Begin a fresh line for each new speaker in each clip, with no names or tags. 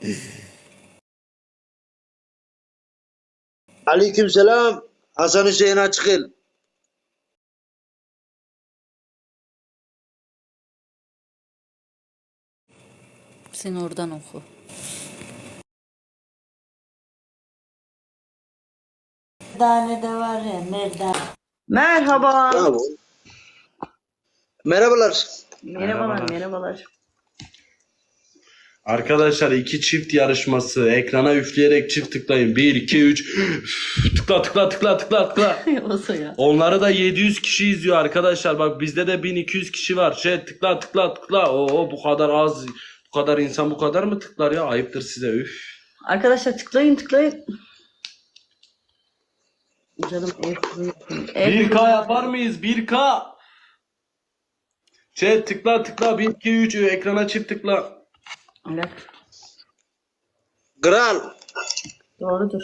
Aleykümselam. Hasan Hüseyin Açıkıl.
Sen oradan oku.
Merdane de var ya merdane.
Merhaba.
Bravo. Merhabalar.
Merhabalar, merhabalar.
Arkadaşlar iki çift yarışması. Ekrana üfleyerek çift tıklayın. 1, 2, 3. Tıkla tıkla tıkla tıkla tıkla.
Olsa ya.
Onları da 700 kişi izliyor arkadaşlar. Bak bizde de 1200 kişi var. Tıkla tıkla tıkla. Oo bu kadar az. Bu kadar insan bu kadar mı tıklar ya? Ayıptır size. Üf.
Arkadaşlar tıklayın tıklayın. Canım ev
1K yapar mıyız? 1K. Tıkla tıkla. 1, 2, 3. Ekrana çift tıkla.
Evet.
Kral.
Doğrudur.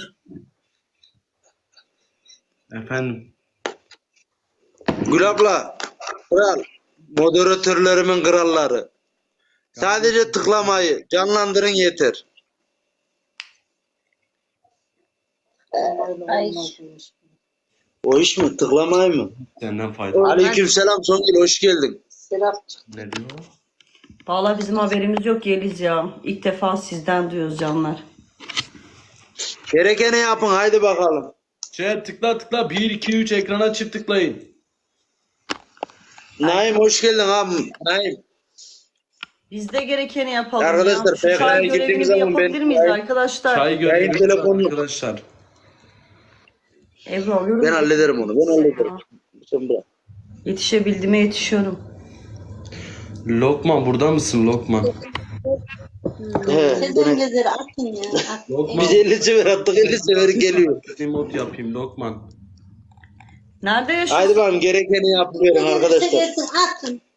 Efendim.
Gül abla. Kral. Moderatörlerimin kralları. Sadece tıklamayı canlandırın yeter.
Ay.
O iş mi? Tıklamayı mı?
Senden fayda.
Aleykümselam Songül, hoş geldin.
Ne diyor?
Vallahi bizim haberimiz yok Yeliz ya. İlk defa sizden duyuyoruz canlar.
Gerekeni yapın, haydi bakalım.
Tıkla tıkla. 1, 2, 3 ekrana çift tıklayın.
Naim hoş geldin abi. Naim.
Biz de gerekeni yapalım
Arkadaşlar,
ya. Şu çay
PKK'ya
görevini
gittiğimiz
bir
zaman
yapabilir
ben-
miyiz arkadaşlar?
Çay gönderiyoruz
telefonu-
arkadaşlar.
Ebru alıyorum.
Ben hallederim onu. Ben hallederim. Sen bırak.
Yetişebildiğime yetişiyorum.
Lokman burada mısın Lokman?
He,
Sezengeleri atın ya. Atın.
Lokman.
biz 50 sefer attık, 50 sefer geliyor.
Mod yapayım Lokman.
Nerede yaşıyorsun?
Haydi bakalım, gerekeni yapıverin arkadaşlar.
Seversin atın.